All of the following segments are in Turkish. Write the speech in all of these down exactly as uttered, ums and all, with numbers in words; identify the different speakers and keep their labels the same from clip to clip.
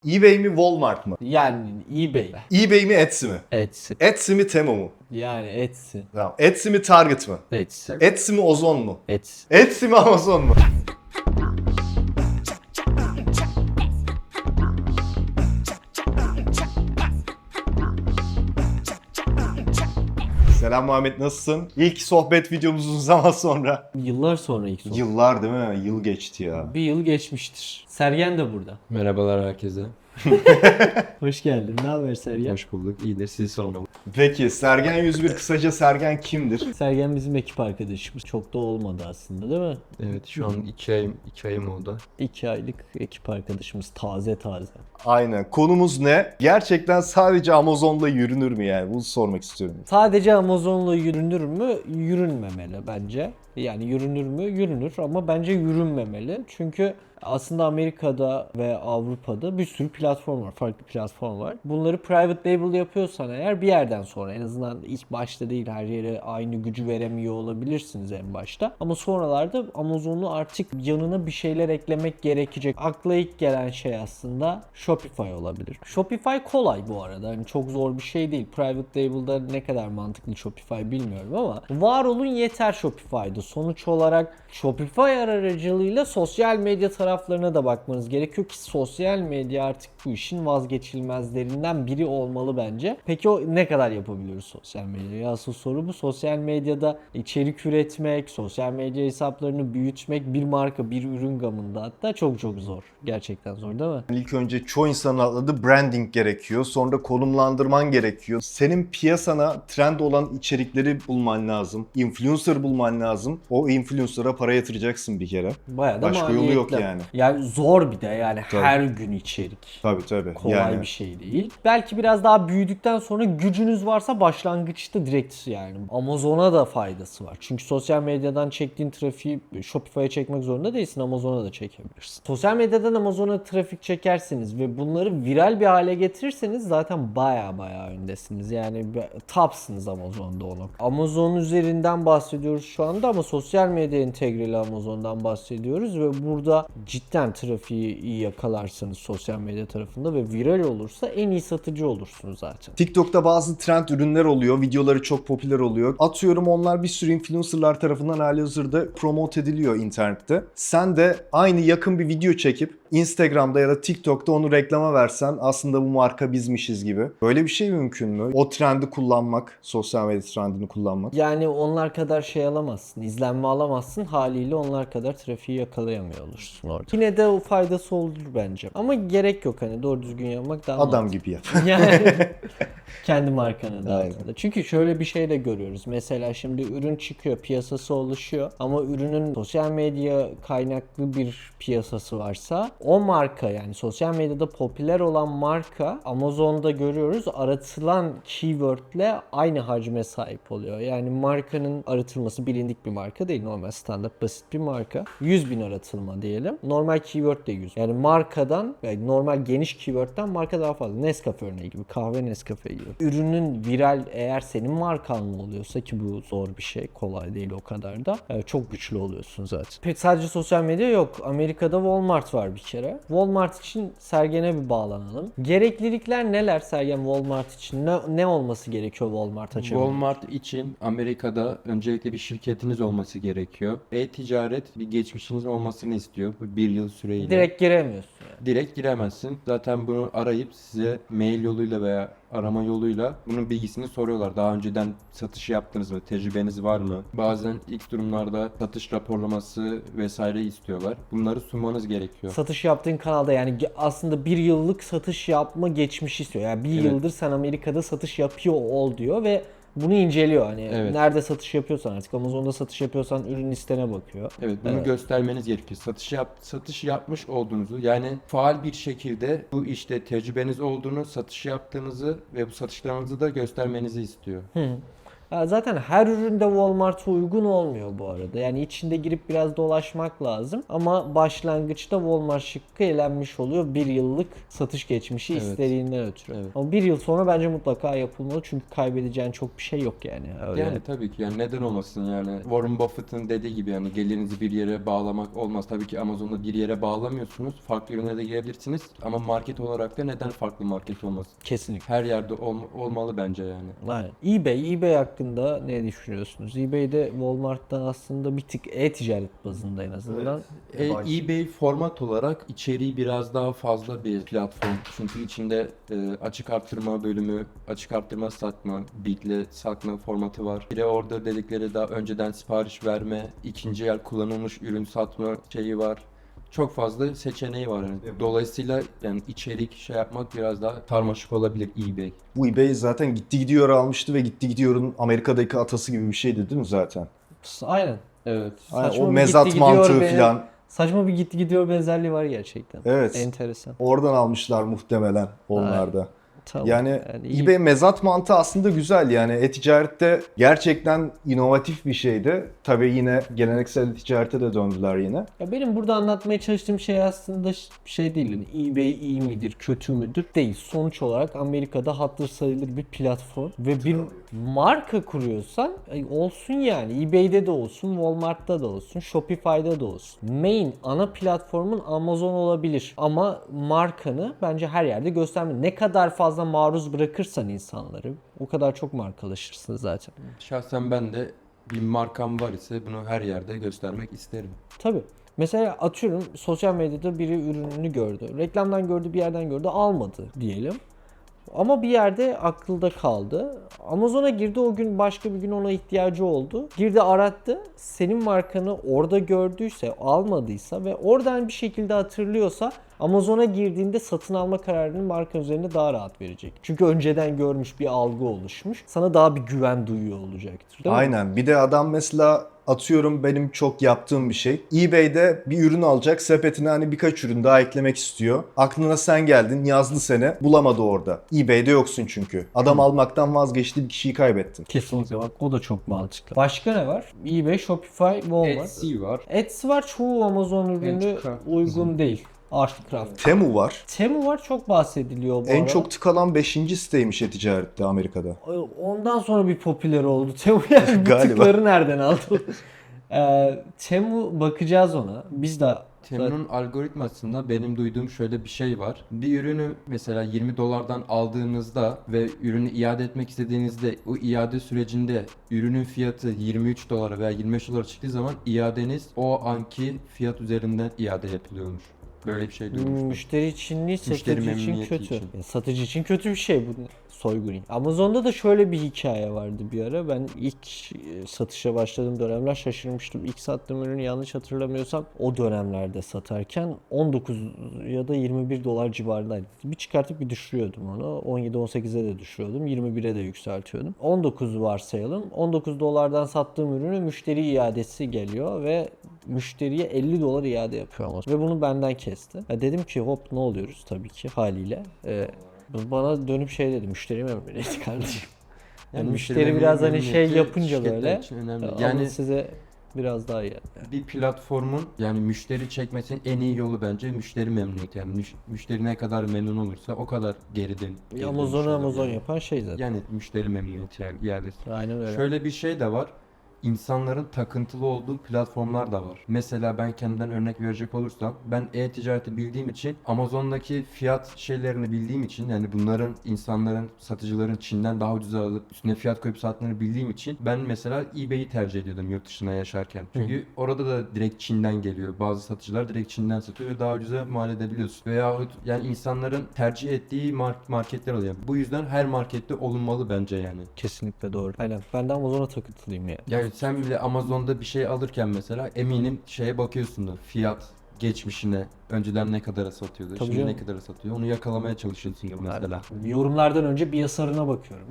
Speaker 1: eBay mi Walmart mı?
Speaker 2: Yani eBay.
Speaker 1: eBay mi Etsy mi?
Speaker 2: Etsy.
Speaker 1: Etsy mi Temu mu?
Speaker 2: Yani Etsy.
Speaker 1: Tamam. Etsy mi Target mı?
Speaker 2: Etsy.
Speaker 1: Etsy mi Ozon mu?
Speaker 2: Etsy.
Speaker 1: Etsy mi Amazon mu? Selam Muhammed, nasılsın? İlk sohbet videomuz uzun zaman sonra.
Speaker 2: Yıllar sonra ilk sohbet.
Speaker 1: Yıllar değil mi? Yıl geçti ya.
Speaker 2: Bir yıl geçmiştir. Sergen de burada.
Speaker 3: Merhabalar herkese.
Speaker 2: Hoş geldin. Ne haber Sergen?
Speaker 3: Hoş bulduk. İyidir. Sizi sormalı.
Speaker 1: Peki Sergen yüz bir kısaca Sergen kimdir?
Speaker 2: Sergen bizim ekip arkadaşımız. Çok da olmadı aslında değil mi?
Speaker 3: Evet, şu an iki ayım, iki ayım oldu.
Speaker 2: İki aylık ekip arkadaşımız. Taze taze.
Speaker 1: Aynen. Konumuz ne? Gerçekten sadece Amazon'la yürünür mü yani? Bunu sormak istiyorum.
Speaker 2: Sadece Amazon'la yürünür mü? Yürünmemeli bence. Yani yürünür mü? Yürünür ama bence yürünmemeli. Çünkü aslında Amerika'da ve Avrupa'da bir sürü platform var. Farklı platform var. Bunları private label yapıyorsan eğer bir yerden sonra, en azından ilk başta değil, her yere aynı gücü veremiyor olabilirsiniz en başta. Ama sonralarda Amazon'u artık yanına bir şeyler eklemek gerekecek. Akla ilk gelen şey aslında Shopify olabilir. Shopify kolay bu arada. Yani çok zor bir şey değil. Private label'da ne kadar mantıklı Shopify bilmiyorum ama var olun yeter Shopify'da. Sonuç olarak Shopify aracılığıyla sosyal medya taraflarına da bakmanız gerekiyor ki sosyal medya artık bu işin vazgeçilmezlerinden biri olmalı bence. Peki o ne kadar yapabiliyoruz sosyal medyayı? Asıl soru bu. Sosyal medyada içerik üretmek, sosyal medya hesaplarını büyütmek bir marka, bir ürün gamında hatta çok çok zor. Gerçekten zor değil mi?
Speaker 1: İlk önce çoğu insanın atladığı branding gerekiyor. Sonra konumlandırman gerekiyor. Senin piyasana trend olan içerikleri bulman lazım. Influencer bulman lazım. O influencer'a para yatıracaksın bir kere.
Speaker 2: Bayağı da
Speaker 1: Başka yolu yok
Speaker 2: maliyetli.
Speaker 1: yani.
Speaker 2: Yani zor bir de yani
Speaker 1: Tabii.
Speaker 2: her gün içerik.
Speaker 1: Tabii tabii.
Speaker 2: Kolay
Speaker 1: yani.
Speaker 2: bir şey değil. Belki biraz daha büyüdükten sonra gücünüz varsa başlangıçta direkt yani Amazon'a da faydası var. Çünkü sosyal medyadan çektiğin trafiği Shopify'a çekmek zorunda değilsin. Amazon'a da çekebilirsin. Sosyal medyadan Amazon'a trafik çekerseniz ve bunları viral bir hale getirirseniz zaten baya baya öndesiniz. Yani topsınız Amazon'da onu. Amazon üzerinden bahsediyoruz şu anda ama sosyal medya entegreli Amazon'dan bahsediyoruz ve burada cidden trafiği iyi yakalarsanız sosyal medya tarafında ve viral olursa en iyi satıcı olursunuz zaten.
Speaker 1: TikTok'ta bazı trend ürünler oluyor. Videoları çok popüler oluyor. Atıyorum onlar bir sürü influencerlar tarafından halihazırda promote ediliyor internette. Sen de aynı yakın bir video çekip Instagram'da ya da TikTok'ta onu reklama versen aslında bu marka bizmişiz gibi. Böyle bir şey mümkün mü? O trendi kullanmak, sosyal medya trendini kullanmak.
Speaker 2: Yani onlar kadar şey alamazsın, izlenme alamazsın. Haliyle onlar kadar trafiği yakalayamıyor olursun orada. Yine de o faydası olur bence. Ama gerek yok, hani doğru düzgün yapmak daha
Speaker 1: Adam
Speaker 2: mantıklı.
Speaker 1: gibi yap.
Speaker 2: Yani kendi markanı da
Speaker 1: Aynen.
Speaker 2: altında. Çünkü şöyle bir şey de görüyoruz. Mesela şimdi ürün çıkıyor, piyasası oluşuyor ama ürünün sosyal medya kaynaklı bir piyasası varsa o marka, yani sosyal medyada popüler olan marka Amazon'da görüyoruz aratılan keywordle aynı hacme sahip oluyor. Yani markanın aratılması bilindik bir marka değil. Normal standart basit bir marka. yüz bin aratılma diyelim. Normal keyword de yüz. Yani markadan, yani normal geniş keyword'den marka daha fazla. Nescafe örneği gibi. Kahve Nescafe gibi. Ürünün viral eğer senin markanla oluyorsa, ki bu zor bir şey. Kolay değil o kadar da. Yani çok güçlü oluyorsun zaten. Peki sadece sosyal medya yok. Amerika'da Walmart var bir kere. Walmart için Sergen'e bir bağlanalım. Gereklilikler neler Sergen Walmart için? Ne, ne olması gerekiyor Walmart açabilmek?
Speaker 3: Walmart için Amerika'da öncelikle bir şirketiniz olması gerekiyor. E-ticaret bir geçmişiniz olmasını istiyor. Bu bir yıl süreyle.
Speaker 2: Direkt giremiyorsun yani.
Speaker 3: Direkt giremezsin. Zaten bunu arayıp size mail yoluyla veya arama yoluyla bunun bilgisini soruyorlar. Daha önceden satış yaptınız mı? Tecrübeniz var mı? Bazen ilk durumlarda satış raporlaması vesaire istiyorlar. Bunları sunmanız gerekiyor.
Speaker 2: Satış yaptığın kanalda yani ge- aslında bir yıllık satış yapma geçmişi istiyor. Yani bir
Speaker 3: Evet.
Speaker 2: yıldır sen Amerika'da satış yapıyor ol diyor ve bunu inceliyor. Hani
Speaker 3: Evet.
Speaker 2: nerede satış yapıyorsan, artık Amazon'da satış yapıyorsan ürün listene bakıyor.
Speaker 3: Evet, bunu
Speaker 2: Evet.
Speaker 3: göstermeniz gerekiyor. Satış yap satış yapmış olduğunuzu, yani faal bir şekilde bu işte tecrübeniz olduğunu, satış yaptığınızı ve bu satışlarınızı da göstermenizi istiyor.
Speaker 2: Hı. Ya zaten her üründe Walmart'a uygun olmuyor bu arada. Yani içinde girip biraz dolaşmak lazım. Ama başlangıçta Walmart şıkkı elenmiş oluyor. Bir yıllık satış geçmişi
Speaker 3: Evet.
Speaker 2: istediğinden ötürü.
Speaker 3: Evet.
Speaker 2: Ama bir yıl sonra bence mutlaka yapılmalı. Çünkü kaybedeceğin çok bir şey yok yani. Öyle.
Speaker 3: Yani tabii ki yani neden olmasın yani Warren Buffett'ın dediği gibi yani gelirinizi bir yere bağlamak olmaz. Tabii ki Amazon'da bir yere bağlamıyorsunuz. Farklı ürünlere de girebilirsiniz ama market olarak da neden farklı market olmasın?
Speaker 2: Kesinlikle.
Speaker 3: Her yerde ol- olmalı bence yani.
Speaker 2: Aynen. eBay, eBay hakkında ne düşünüyorsunuz? eBay'de Walmart'tan aslında bir tık e-ticaret bazında en azından.
Speaker 3: E, eBay format olarak içeriği biraz daha fazla bir platform. Çünkü içinde e, açık arttırma bölümü, açık arttırma satma, bitle satma formatı var. Bir de orada dedikleri daha önceden sipariş verme, ikinci el kullanılmış ürün satma şeyi var. Çok fazla seçeneği var. Yani. Dolayısıyla yani içerik şey yapmak biraz daha karmaşık olabilir eBay.
Speaker 1: Bu eBay zaten gitti gidiyor almıştı ve gitti gidiyorun Amerika'daki atası gibi bir şeydi değil mi zaten?
Speaker 2: Aynen.
Speaker 3: Evet.
Speaker 1: Aynen,
Speaker 2: Saçma
Speaker 1: o
Speaker 2: bir
Speaker 1: mezat
Speaker 2: gitti gidiyor
Speaker 1: mantığı
Speaker 2: be-
Speaker 1: falan.
Speaker 2: Saçma bir gitti gidiyor benzerliği var gerçekten.
Speaker 1: Evet.
Speaker 2: Enteresan.
Speaker 1: Oradan almışlar muhtemelen onlar da.
Speaker 2: Tamam.
Speaker 1: Yani,
Speaker 2: iyi-
Speaker 1: eBay mezat mantığı aslında güzel yani e-ticarette gerçekten inovatif bir şeydi. Tabii yine geleneksel ticarete de döndüler yine.
Speaker 2: Ya benim burada anlatmaya çalıştığım şey aslında ş- şey değil. Yani eBay iyi midir, kötü müdür? Değil. Sonuç olarak Amerika'da hatır sayılır bir platform ve bir marka kuruyorsan ay, olsun yani. eBay'de de olsun, Walmart'ta da olsun, Shopify'da da olsun. Main ana platformun Amazon olabilir ama markanı bence her yerde gösterme. Ne kadar fazla maruz bırakırsan insanları o kadar çok markalaşırsın zaten.
Speaker 3: Şahsen ben de bir markam var ise bunu her yerde göstermek isterim.
Speaker 2: Tabii. Mesela atıyorum sosyal medyada biri ürününü gördü. Reklamdan gördü, bir yerden gördü, almadı diyelim. Ama bir yerde akılda kaldı. Amazon'a girdi, o gün başka bir gün ona ihtiyacı oldu. Girdi arattı. Senin markanı orada gördüyse, almadıysa ve oradan bir şekilde hatırlıyorsa Amazon'a girdiğinde satın alma kararını marka üzerinde daha rahat verecek. Çünkü önceden görmüş, bir algı oluşmuş. Sana daha bir güven duyuyor olacaktır. Değil mi?
Speaker 1: Aynen. Bir de adam mesela atıyorum benim çok yaptığım bir şey. eBay'de bir ürün alacak, sepetine hani birkaç ürün daha eklemek istiyor. Aklına sen geldin, yazdı seni, bulamadı orada. eBay'de yoksun çünkü. Adam almaktan vazgeçti, bir kişiyi kaybettin.
Speaker 2: Kesinlikle bak, o da çok mantıklı. Başka ne var? eBay, Shopify, Walmart.
Speaker 3: Etsy var.
Speaker 2: Etsy var, çoğu Amazon ürünü
Speaker 3: Handcraft.
Speaker 2: uygun değil. Artcraft.
Speaker 1: Temu var.
Speaker 2: Temu var, çok bahsediliyor bu
Speaker 1: En
Speaker 2: ara.
Speaker 1: çok tıkalan beşinci siteymiş e-ticarette Amerika'da.
Speaker 2: Ondan sonra bir popüler oldu Temu, yani bu
Speaker 1: Galiba.
Speaker 2: tıkları nereden aldı? ee, Temu, bakacağız ona. Biz de
Speaker 3: Temu'nun algoritmasında benim duyduğum şöyle bir şey var. Bir ürünü mesela yirmi dolardan aldığınızda ve ürünü iade etmek istediğinizde o iade sürecinde ürünün fiyatı yirmi üç dolara veya yirmi beş dolara çıktığı zaman iadeniz o anki fiyat üzerinden iade yapılıyormuş. Böyle bir şey duymuştum.
Speaker 2: müşteri için değil,
Speaker 3: Müşteri
Speaker 2: satıcı için
Speaker 3: memnuniyeti
Speaker 2: kötü.
Speaker 3: için.
Speaker 2: Yani satıcı için kötü bir şey bu, soygun. Amazon'da da şöyle bir hikaye vardı bir ara. Ben ilk e, satışa başladığım dönemler şaşırmıştım. İlk sattığım ürünü yanlış hatırlamıyorsam o dönemlerde satarken on dokuz ya da yirmi bir dolar civarındaydı. Bir çıkartıp bir düşürüyordum onu. on yedi on sekize de düşürüyordum. yirmi bire de yükseltiyordum. on dokuz varsayalım. on dokuz dolardan sattığım ürünü müşteri iadesi geliyor ve müşteriye elli dolar iade yapıyor Amazon. Ve bunu benden kesti. Ya dedim ki hop, ne oluyoruz tabii ki haliyle. Ee, bana dönüp şey dedi, müşteri memnuniyeti kardeşim. Yani müşteri biraz hani şey
Speaker 3: memnuniyeti
Speaker 2: yapınca
Speaker 3: şirketler
Speaker 2: böyle
Speaker 3: için önemli.
Speaker 2: yani
Speaker 3: Yani
Speaker 2: size biraz daha iyi.
Speaker 3: bir platformun yani müşteri çekmesinin en iyi yolu bence müşteri memnuniyeti. Yani müş- müşteri ne kadar memnun olursa o kadar geriden. geri
Speaker 2: Amazon'u
Speaker 3: dönüş olur
Speaker 2: Amazon
Speaker 3: yani.
Speaker 2: yapan şey zaten.
Speaker 3: Yani müşteri memnuniyeti yani iadesi.
Speaker 2: Aynen öyle.
Speaker 3: Şöyle bir şey de var. İnsanların takıntılı olduğu platformlar da var. Mesela ben kendimden örnek verecek olursam ben e-ticareti bildiğim için Amazon'daki fiyat şeylerini bildiğim için yani bunların insanların satıcıların Çin'den daha ucuza alıp üstüne fiyat koyup sattığını bildiğim için ben mesela eBay'i tercih ediyordum yurt dışına yaşarken. Çünkü orada da direkt Çin'den geliyor. Bazı satıcılar direkt Çin'den satıyor ve daha ucuza mal edebiliyorsun. Veyahut yani insanların tercih ettiği mark- marketler oluyor. Bu yüzden her markette olunmalı bence yani.
Speaker 2: Kesinlikle doğru. Aynen. Ben de Amazon'a takıntılıyım ya.
Speaker 3: Yani sen bile Amazon'da bir şey alırken mesela eminim şeye bakıyorsundur. Fiyat geçmişine, önceden ne kadara satıyordu,
Speaker 2: Tabii
Speaker 3: şimdi
Speaker 2: canım.
Speaker 3: ne kadara satıyor onu yakalamaya çalışıyorsun mesela.
Speaker 2: Yorumlardan önce bir yasarına bakıyorum.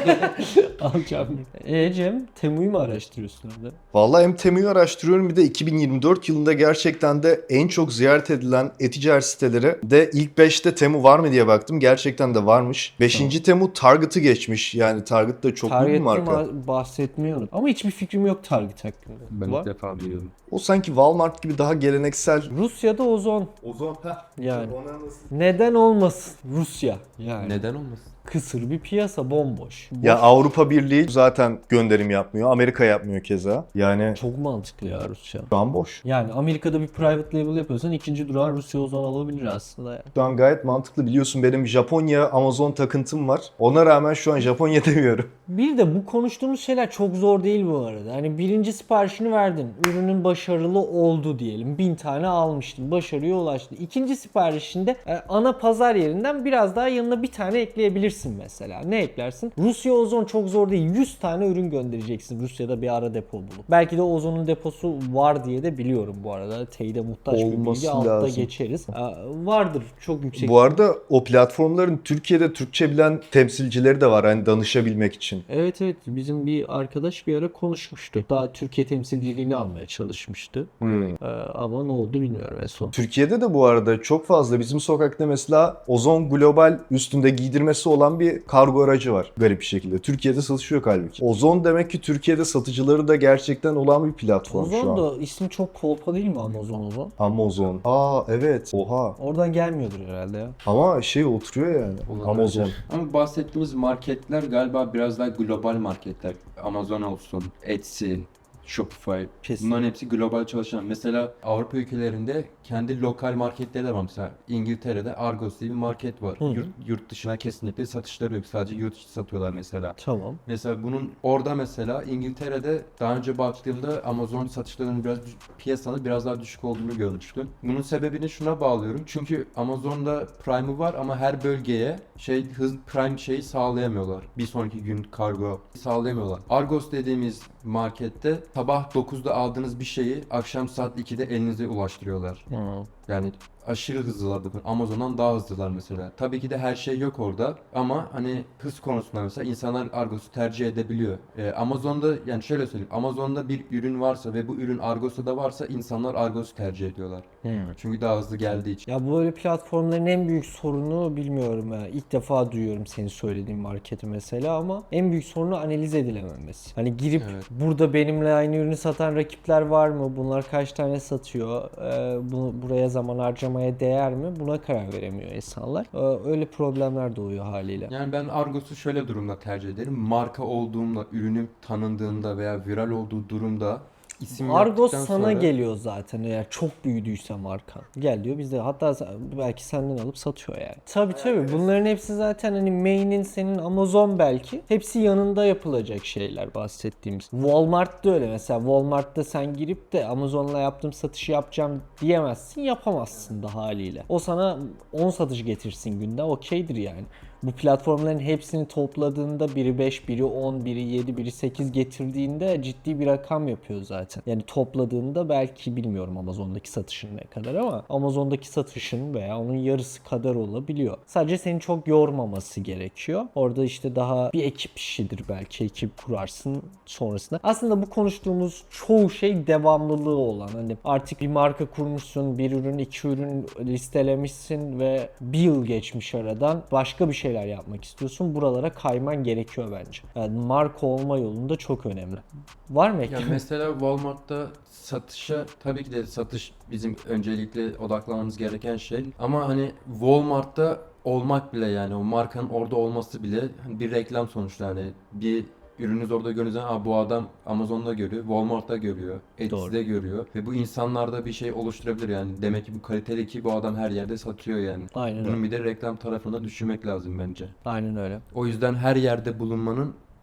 Speaker 2: Alacağım. E Cem, Temu'yu mu araştırıyorsun orada?
Speaker 1: Vallahi hem Temu'yu araştırıyorum bir de iki bin yirmi dört yılında gerçekten de en çok ziyaret edilen e-ticaret siteleri de ilk beşte Temu var mı diye baktım. Gerçekten de varmış. beşinci Temu Target'ı geçmiş. Yani Target da çok büyük bir
Speaker 2: Target'ten
Speaker 1: marka.
Speaker 2: ma- bahsetmiyorum. Ama hiçbir fikrim yok Target hakkında.
Speaker 3: Ben
Speaker 2: Var.
Speaker 3: ilk defa biliyorum.
Speaker 1: O sanki Walmart gibi daha geleneksel.
Speaker 2: Rusya'da ozon.
Speaker 1: Ozon.
Speaker 2: Yani. Neden olmasın? Rusya. Yani.
Speaker 3: Neden olmasın?
Speaker 2: Kısır bir piyasa, bomboş. Boş.
Speaker 1: Ya Avrupa Birliği zaten gönderim yapmıyor. Amerika yapmıyor keza. Yani
Speaker 2: Çok mantıklı ya Rusya.
Speaker 1: şu an boş.
Speaker 2: Yani Amerika'da bir private label yapıyorsan ikinci durağın Rusya ozon olabilir aslında yani.
Speaker 1: Şu an gayet mantıklı. Biliyorsun benim Japonya Amazon takıntım var. Ona rağmen şu an Japonya demiyorum.
Speaker 2: Bir de bu konuştuğumuz şeyler çok zor değil bu arada. Hani birinci siparişini verdin. Ürünün başarılı oldu diyelim. Bin tane almıştın. Başarıya ulaştı. İkinci siparişinde e, ana pazar yerinden biraz daha yanına bir tane ekleyebilirsin mesela. Ne eklersin? Rusya ozon çok zor değil. yüz tane ürün göndereceksin Rusya'da bir ara depo bulup. Belki de ozonun deposu var diye de biliyorum bu arada. Teyide muhtaç bir
Speaker 1: Olması
Speaker 2: bilgi. Altta
Speaker 1: lazım.
Speaker 2: geçeriz. E, vardır çok yüksek.
Speaker 1: Bu arada o platformların Türkiye'de Türkçe bilen temsilcileri de var. Hani danışabilmek için.
Speaker 2: Evet evet, bizim bir arkadaş bir ara konuşmuştu. Daha Türkiye temsilciliğini almaya çalışmıştı.
Speaker 1: Hmm.
Speaker 2: Ee, ama ne oldu bilmiyorum en son.
Speaker 1: Türkiye'de de bu arada çok fazla bizim sokakta mesela Ozon Global üstünde giydirmesi olan bir kargo aracı var garip bir şekilde. Türkiye'de satışıyor halbuki. Ozon demek ki Türkiye'de satıcıları da gerçekten olan bir platform şu
Speaker 2: Ozon
Speaker 1: an.
Speaker 2: da ismi çok kolpa değil mi Amazon Ozon?
Speaker 1: Amazon. Aa evet. Oha.
Speaker 2: Oradan gelmiyordur herhalde ya.
Speaker 1: Ama şey oturuyor yani.
Speaker 3: Olabilir.
Speaker 1: Amazon.
Speaker 3: Ama bahsettiğimiz marketler galiba biraz daha global marketler. Amazon olsun, Etsy, Shopify.
Speaker 2: Kesin.
Speaker 3: Bunların hepsi global çalışan. Mesela Avrupa ülkelerinde kendi lokal marketleri de var. Mesela İngiltere'de Argos diye bir market var.
Speaker 2: Hı.
Speaker 3: Yurt, yurt dışına kesinlikle satışları yok. Sadece yurt içi satıyorlar mesela.
Speaker 2: Tamam.
Speaker 3: Mesela bunun orada mesela İngiltere'de daha önce baktığımda Amazon satışlarının biraz düş- piyasanın biraz daha düşük olduğunu görmüştüm. Bunun sebebini şuna bağlıyorum. Çünkü Amazon'da Prime'ı var ama her bölgeye şey hız Prime şeyi sağlayamıyorlar. Bir sonraki gün kargo sağlayamıyorlar. Argos dediğimiz markette sabah dokuzda aldığınız bir şeyi akşam saat ikide elinize ulaştırıyorlar. Yani aşırı hızlılar bu. Amazon'dan daha hızlılar mesela. Tabii ki de her şey yok orada ama hani hız konusunda mesela insanlar Argos'u tercih edebiliyor. Ee, Amazon'da yani şöyle söyleyeyim. Amazon'da bir ürün varsa ve bu ürün Argos'ta da varsa insanlar Argos'u tercih ediyorlar. Çünkü daha hızlı geldiği için.
Speaker 2: Ya böyle platformların en büyük sorunu bilmiyorum ya. İlk defa duyuyorum senin söylediğin marketi mesela ama en büyük sorunu analiz edilememesi. Hani girip
Speaker 3: Evet.
Speaker 2: burada benimle aynı ürünü satan rakipler var mı? Bunlar kaç tane satıyor? Ee, bunu buraya zaman harcamaya değer mi? Buna karar veremiyor insanlar. Ee, öyle problemler doğuyor haliyle.
Speaker 3: Yani ben Argos'u şöyle durumda tercih ederim. Marka olduğumda, ürünüm tanındığında veya viral olduğu durumda isim
Speaker 2: Argos
Speaker 3: yaptıktan
Speaker 2: sana
Speaker 3: sonra...
Speaker 2: geliyor zaten eğer çok büyüdüyse markan. Gel diyor bizde hatta sen- belki senden alıp satıyor yani. Tabii tabii bunların hepsi zaten hani main'in senin Amazon belki. Hepsi yanında yapılacak şeyler bahsettiğimiz. Walmart'ta öyle mesela Walmart'ta sen girip de Amazon'la yaptığım satışı yapacağım diyemezsin, yapamazsın da haliyle. O sana on satış getirsin günde okeydir yani. Bu platformların hepsini topladığında biri beş, biri on, biri yedi, biri sekiz getirdiğinde ciddi bir rakam yapıyor zaten. Yani topladığında belki bilmiyorum Amazon'daki satışın ne kadar ama Amazon'daki satışın veya onun yarısı kadar olabiliyor. Sadece seni çok yormaması gerekiyor. Orada işte daha bir ekip işidir belki. Ekip kurarsın sonrasında. Aslında bu konuştuğumuz çoğu şey devamlılığı olan. Hani artık bir marka kurmuşsun, bir ürün, iki ürün listelemişsin ve bir yıl geçmiş aradan başka bir şeyler yapmak istiyorsun. Buralara kayman gerekiyor bence. Yani marka olma yolunda çok önemli. Var mı
Speaker 3: Ya
Speaker 2: ekip?
Speaker 3: mesela Walmart'ta satışa tabii ki de satış bizim öncelikle odaklanmamız gereken şey. Ama hani Walmart'ta olmak bile yani o markanın orada olması bile hani bir reklam sonuçta hani bir ürününüz orada görünce aa bu adam Amazon'da görüyor, Walmart'ta görüyor, Etsy'de görüyor ve bu insanlarda bir şey oluşturabilir yani. Demek ki bu kaliteli ki bu adam her yerde satıyor yani.
Speaker 2: Aynen
Speaker 3: Bunun
Speaker 2: öyle.
Speaker 3: bir de reklam tarafına düşünmek lazım bence.
Speaker 2: Aynen öyle.
Speaker 3: O yüzden her yerde bulunmanın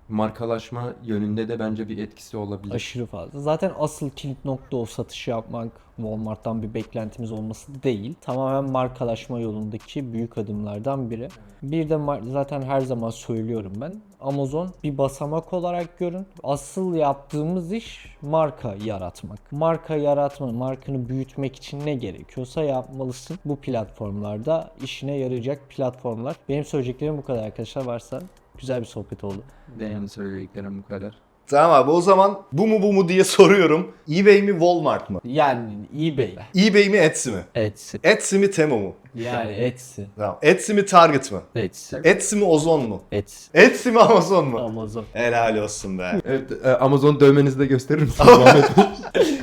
Speaker 3: markalaşma yönünde de bence bir etkisi olabilir.
Speaker 2: Aşırı fazla. Zaten asıl kilit nokta o satışı yapmak. Walmart'tan bir beklentimiz olması değil. Tamamen markalaşma yolundaki büyük adımlardan biri. Bir de mar- zaten her zaman söylüyorum ben. Amazon bir basamak olarak görün. Asıl yaptığımız iş marka yaratmak. Marka yaratma, markanı büyütmek için ne gerekiyorsa yapmalısın. Bu platformlarda işine yarayacak platformlar. Benim söyleyeceklerim bu kadar arkadaşlar. Varsa güzel bir sohbet oldu.
Speaker 3: Benim söyleyeceklerim bu kadar.
Speaker 1: Tamam abi, o zaman bu mu bu mu diye soruyorum. eBay mi Walmart mı?
Speaker 2: Yani eBay.
Speaker 1: eBay mi Etsy mi?
Speaker 2: Etsy.
Speaker 1: Etsy mi Temu mu?
Speaker 2: Yani Etsy.
Speaker 1: Tamam. Etsy mi Target mı?
Speaker 2: Etsy.
Speaker 1: Etsy mi Ozon mu?
Speaker 2: Etsy.
Speaker 1: Etsy mi Amazon mu?
Speaker 2: Amazon.
Speaker 1: Helal olsun be.
Speaker 3: Evet, e, Amazon dövmenizi de gösterir misiniz Muhammed Bey?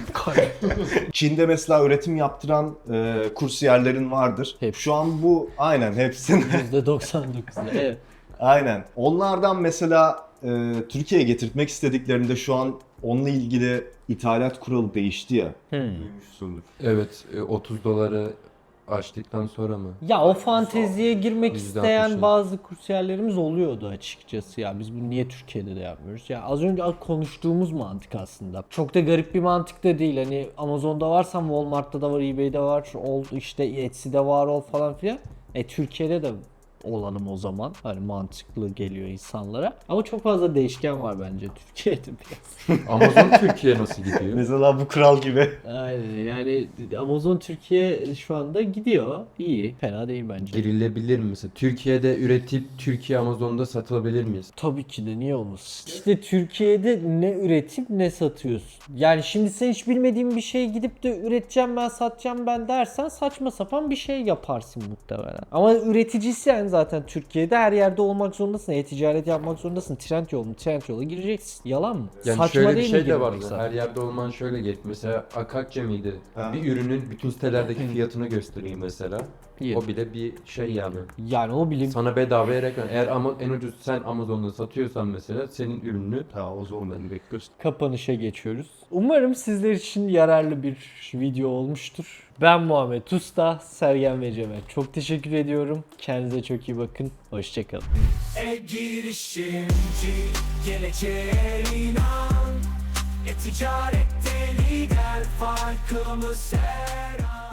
Speaker 1: Çin'de mesela üretim yaptıran e, kursiyerlerin vardır.
Speaker 2: Hep.
Speaker 1: Şu an bu aynen hepsinin.
Speaker 2: yüzde doksan dokuzda. Evet.
Speaker 1: Aynen. Onlardan mesela e, Türkiye'ye getirtmek istediklerinde şu an onunla ilgili ithalat kuralı değişti ya.
Speaker 2: Hmm.
Speaker 1: Duymuşsundur.
Speaker 3: Evet, e, otuz doları açtıktan sonra mı?
Speaker 2: Ya o fanteziye girmek
Speaker 3: yüzde
Speaker 2: isteyen
Speaker 3: altmışı.
Speaker 2: bazı kursiyerlerimiz oluyordu açıkçası ya. Biz bunu niye Türkiye'de de yapmıyoruz? Ya az önce konuştuğumuz mantık aslında. Çok da garip bir mantık da değil. Hani Amazon'da varsan Walmart'ta da var, eBay'de var, ol işte Etsy'de var ol falan filan. E Türkiye'de de olalım o zaman. Hani mantıklı geliyor insanlara. Ama çok fazla değişken var bence Türkiye'de biraz.
Speaker 3: Amazon Türkiye nasıl gidiyor?
Speaker 1: Mesela bu kural gibi.
Speaker 2: Aynen yani Amazon Türkiye şu anda gidiyor. İyi. Fena değil bence.
Speaker 3: Girilebilir mi mesela? Türkiye'de üretip Türkiye Amazon'da satılabilir miyiz?
Speaker 2: Tabii ki de, niye olmasın? İşte Türkiye'de ne üretip ne satıyorsun. Yani şimdi sen hiç bilmediğin bir şey gidip de üreteceğim ben, satacağım ben dersen saçma sapan bir şey yaparsın muhtemelen. Ama üreticiysen zaten Türkiye'de her yerde olmak zorundasın. E-ticaret yapmak zorundasın. Trendyol mu? Trendyol'a gireceksin. Yalan mı?
Speaker 3: Yani
Speaker 2: Saçma
Speaker 3: şöyle bir
Speaker 2: değil
Speaker 3: şey
Speaker 2: mi
Speaker 3: de var.
Speaker 2: girmek zaten?
Speaker 3: Her yerde olman şöyle geç. Mesela Akakçe miydi?
Speaker 1: Ha.
Speaker 3: Bir ürünün bütün sitelerdeki fiyatını göstereyim mesela.
Speaker 2: İyi.
Speaker 3: O bile bir şey yani.
Speaker 2: Yani o bilim
Speaker 3: Sana bedavaya reklam. Eğer ama en ucuz sen Amazon'da satıyorsan mesela senin ürününü
Speaker 1: Tamam, o zaman ben bekliyorsun.
Speaker 2: kapanışa geçiyoruz. Umarım sizler için yararlı bir video olmuştur. Ben Muhammed Usta, Sergen ve Cemal. Çok teşekkür ediyorum. Kendinize çok iyi bakın. Hoşçakalın.
Speaker 4: E-girişimci, geleceğe inan. E-ticarette lider, farkımız her an.